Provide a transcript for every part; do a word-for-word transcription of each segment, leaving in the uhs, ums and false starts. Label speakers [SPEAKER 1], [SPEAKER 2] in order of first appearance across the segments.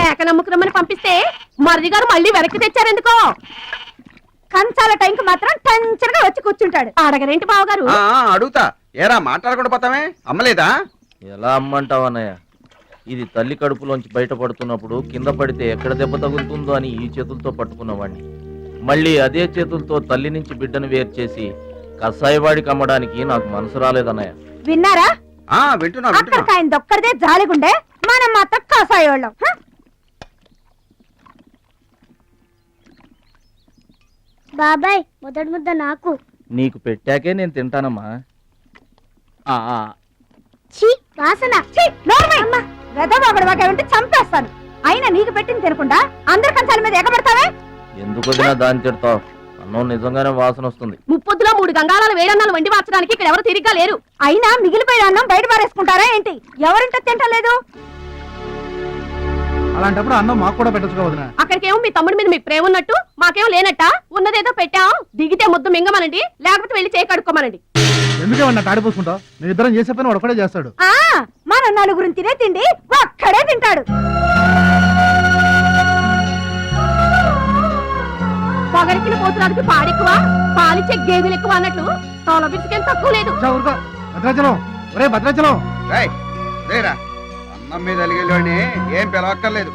[SPEAKER 1] మేక నమ్ముకురమ్మని పంపిస్తే మరిది గారు మళ్ళీ వెనక్కి తెచ్చారెందుకో. కంచాల టైంకి మాత్రం టెన్షన్గా వచ్చి కూర్చుంటాడు. అడగరేంటి బావగారు?
[SPEAKER 2] అడుగుతా. ఏరా మాట్లాడకుండా పోతామే? అమ్మలేదా?
[SPEAKER 3] ఎలా అమ్మంటావు అన్నయ్య? ఇది తల్లి కడుపులోంచి బయటపడుతున్నప్పుడు కింద పడితే ఎక్కడ దెబ్బ తగులుతుందో అని ఈ చేతులతో పట్టుకున్నవాడిని, మళ్ళీ అదే చేతులతో తల్లి నుంచి బిడ్డను వేరు చేసి కసాయివాడికి అమ్మడానికి నాకు మనసు రాలేదన్నయ్య.
[SPEAKER 1] విన్నారా?
[SPEAKER 2] వింటున్నా.
[SPEAKER 1] అక్కడికి ఆయన దొక్కడిదే జాలిగుండే, మనం మాత్రం కసాయోళ్ళం.
[SPEAKER 4] బాబాయ్ మొదటి ముద్ద నాకు.
[SPEAKER 3] నీకు పెట్టాకే నేను తింటానమ్మా.
[SPEAKER 4] వాసన
[SPEAKER 1] వెదవాగడవాగంటే చంపేస్తాను. అయినా నీకు పెట్టింది తినకుండా అందరి కంచాల మీద ఎగబడతావే?
[SPEAKER 3] ఎందుకు దాన్ని తిడతావు? అన్నం నిజంగానే వాసన వస్తుంది.
[SPEAKER 1] ముప్పొద్దులో మూడు గంగాళాలు వేడన్నాలు వండి మార్చడానికి ఇక్కడ ఎవరు తిరిగ్గా లేరు. అయినా మిగిలిపోయిన అన్నం బయట పారేసుకుంటారా ఏంటి? ఎవరింటో తింటలేదు.
[SPEAKER 5] అలాంటప్పుడు అన్నం మాకు కూడా పెట్టొచ్చు వదినా.
[SPEAKER 1] అక్కడికేమో మీ తమ్ముడి మీద మీకు ప్రేమ ఉన్నట్టు, మాకేమో లేనట్ట. ఉన్నదేదో పెట్టాం, దిగితే ముద్దు మింగమనండి, లేకపోతే వెళ్ళి చేయి కడుక్కోమనండి.
[SPEAKER 5] ఎందుకేమన్నా తాడిపోసుకుంటావు? నేను ఇద్దరం చేసే పని వాడు ఒకడే చేస్తాడు.
[SPEAKER 1] ఆ మన నలుగురిని తినే తిండి ఒక్కడే తింటాడు. పొగరికిన పోతురానికి పాడెక్కువ, పాలిచ్చే గేదెలు ఎక్కువ అన్నట్లు తోల బిడ్డకేం తక్కువ లేదు.
[SPEAKER 5] భద్రాచలం, ఒరే భద్రాచలం,
[SPEAKER 2] అన్నం మీద అలిగేలోని ఏం పిలవక్కర్లేదు.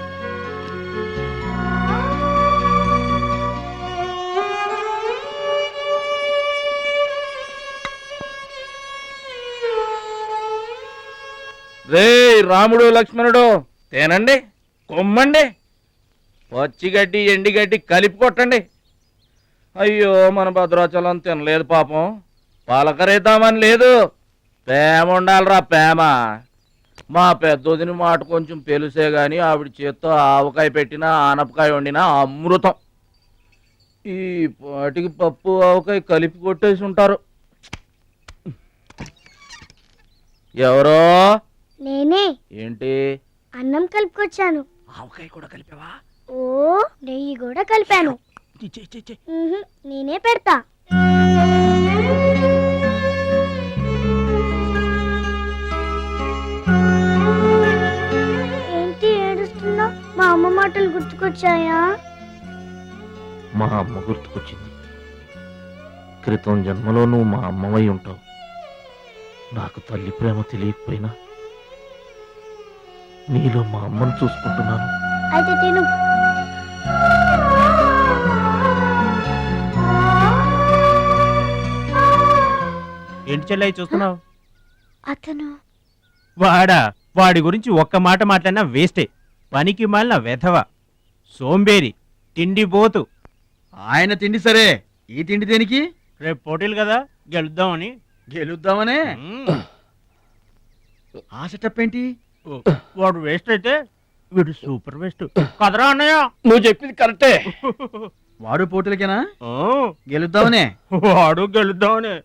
[SPEAKER 3] రే రాముడు లక్ష్మణుడు, తేనండి, కొమ్మండి, పచ్చిగడ్డి ఎండిగడ్డి కలిపి కొట్టండి. అయ్యో మన భద్రాచలం తినలేదు పాపం, పలకరేద్దామని లేదు. ప్రేమ ఉండాలిరా ప్రేమ. మా పెద్దోదిని మాట కొంచెం పెలుసే గాని ఆవిడ చేత్తో ఆవకాయ పెట్టినా ఆనపకాయ వండినా అమృతం. ఈ పాటికి పప్పు ఆవకాయ కలిపి కొట్టేసి ఉంటారు. ఎవరో?
[SPEAKER 4] నేనే.
[SPEAKER 3] ఏంటి?
[SPEAKER 4] అన్నం కలుపుకొచ్చాను.
[SPEAKER 3] ఆవకాయ కూడా కలిపావా?
[SPEAKER 4] ఓ నెయ్యి కూడా కలిపాను. నేనే పెడతా. ఏంటి ఏడుస్తున్నా? మా అమ్మ మాటలు గుర్తుకొచ్చాయా?
[SPEAKER 3] మా అమ్మ గుర్తుకొచ్చింది. క్రితం జన్మలో నువ్వు మా అమ్మవై ఉంటావు. నాకు తల్లి ప్రేమ తెలియకపోయినా నీలో మా అమ్మను చూసుకుంటున్నాను.
[SPEAKER 4] అయితే తిను.
[SPEAKER 6] ఏంటి చెల్లయ్య చూస్తున్నావు?
[SPEAKER 4] అతను
[SPEAKER 6] వాడా? వాడి గురించి ఒక్క మాట మాట్లాడినా వేస్టే. పనికి మాలిన వెధవ, సోంబేరి, తిండి పోతు.
[SPEAKER 5] ఆయన తిండి సరే, ఈ తిండి దేనికి?
[SPEAKER 6] రేపు పోటీలు కదా, గెలుద్దామని.
[SPEAKER 5] గెలుద్దామనే? ఆ సెటప్ ఏంటి?
[SPEAKER 6] వాడు వేస్ట్ అయితే వీడు సూపర్ వేస్ట్ కదరా అన్నయ్య.
[SPEAKER 3] నువ్వు చెప్పింది కరెక్టే.
[SPEAKER 5] వాడు పోటీలకేనా? గెలుద్దామనే?
[SPEAKER 6] వాడు గెలుద్దామనే.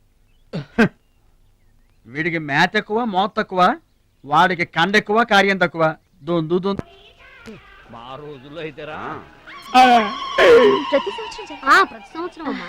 [SPEAKER 5] వీడికి మ్యాథ్ ఎక్కువ, మోత్ తక్కువ. వాడికి కండ ఎక్కువ, కార్యం తక్కువ. దొందు దొందు.
[SPEAKER 3] మా రోజుల్లో అయితేరా
[SPEAKER 1] ప్రతి సంవత్సరం ప్రతి సంవత్సరం అమ్మా.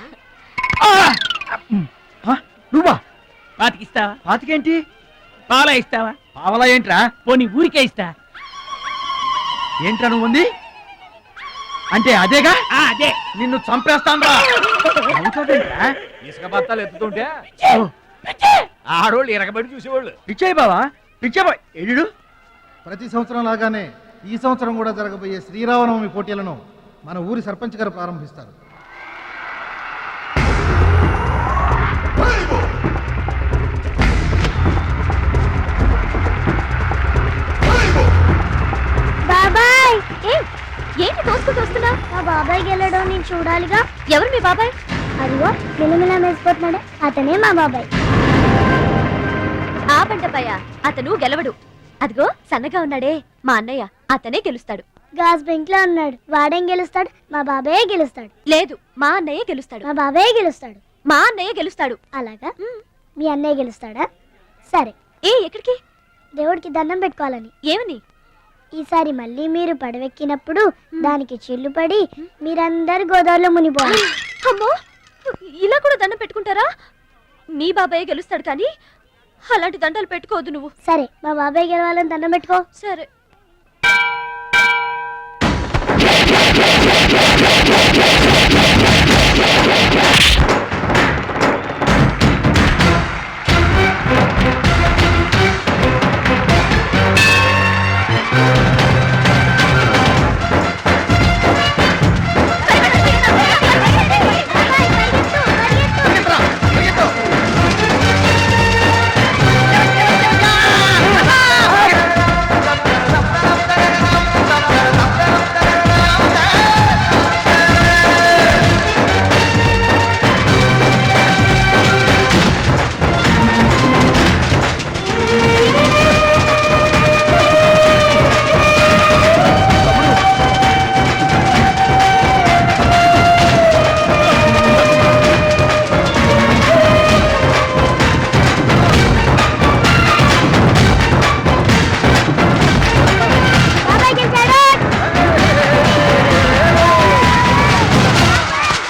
[SPEAKER 5] నువ్వా?
[SPEAKER 6] పాతికిస్తావా?
[SPEAKER 5] పాతికేంటి?
[SPEAKER 6] పాల ఇస్తావా?
[SPEAKER 5] పావలా ఏంట్రా?
[SPEAKER 6] పోనీ ఊరికే ఇస్తా.
[SPEAKER 5] ఏంట్రా నువ్వు ఉంది అంటే? అదేగా,
[SPEAKER 6] అదే.
[SPEAKER 5] నిన్ను చంపేస్తాను రా.
[SPEAKER 3] ఇసుక బత్తాలు ఎత్తుతుంటే ఆడోళ్ళు ఇరగబడి చూసేవాళ్ళు.
[SPEAKER 5] పిచ్చాయి బావా, పిచ్చాయి ఎడు. ప్రతి సంవత్సరం లాగానే ఈ సంవత్సరం కూడా జరగబోయే శ్రీరామనవమి పోటీలను మన ఊరి సర్పంచ్ గారు ప్రారంభిస్తారు.
[SPEAKER 4] బాబాయ్,
[SPEAKER 1] ఏంటి తోసుకుంటూ వస్తున్నావు?
[SPEAKER 4] మా బాబాయ్ గెలడం నేను చూడాలిగా.
[SPEAKER 1] ఎవరు మీ బాబాయ్?
[SPEAKER 4] అదిగో మిలమిలా మెసిపోతున్నాడు, అతనే మా బాబాయ్.
[SPEAKER 1] ఆ పంటపయ్య అతను గెలవడు. అదిగో సన్నగా ఉన్నాడే మా అన్నయ్య, అతనే గెలుస్తాడు.
[SPEAKER 4] గాజ్ బెంక్ లో ఉన్నాడు, వాడేం గెలుస్తాడు? మా బాబాయ్ గెలుస్తాడు.
[SPEAKER 1] లేదు, మా అన్నయ్య గెలుస్తాడు.
[SPEAKER 4] మా బాబాయ్ గెలుస్తాడు.
[SPEAKER 1] మా అన్నయ్య గెలుస్తాడు.
[SPEAKER 4] అలాగా? మీ అన్నయ్య గెలుస్తాడా? సరే.
[SPEAKER 1] ఏ ఎక్కడికి?
[SPEAKER 4] దేవుడికి దండం పెట్టుకోవాలని.
[SPEAKER 1] ఏమని?
[SPEAKER 4] ఈసారి మళ్ళీ మీరు పడవెక్కినప్పుడు దానికి చిల్లు పడి మీరందరు గోదావరిలో మునిపోవాలి.
[SPEAKER 1] అమ్మో, ఇలా కూడా దండం పెట్టుకుంటారా? మీ బాబాయ్ గెలుస్తాడు కానీ అలాంటి దండాలు పెట్టుకోవద్దు నువ్వు.
[SPEAKER 4] సరే, మా బాబాయ్ గెలవాలని దండం పెట్టుకో.
[SPEAKER 1] సరే.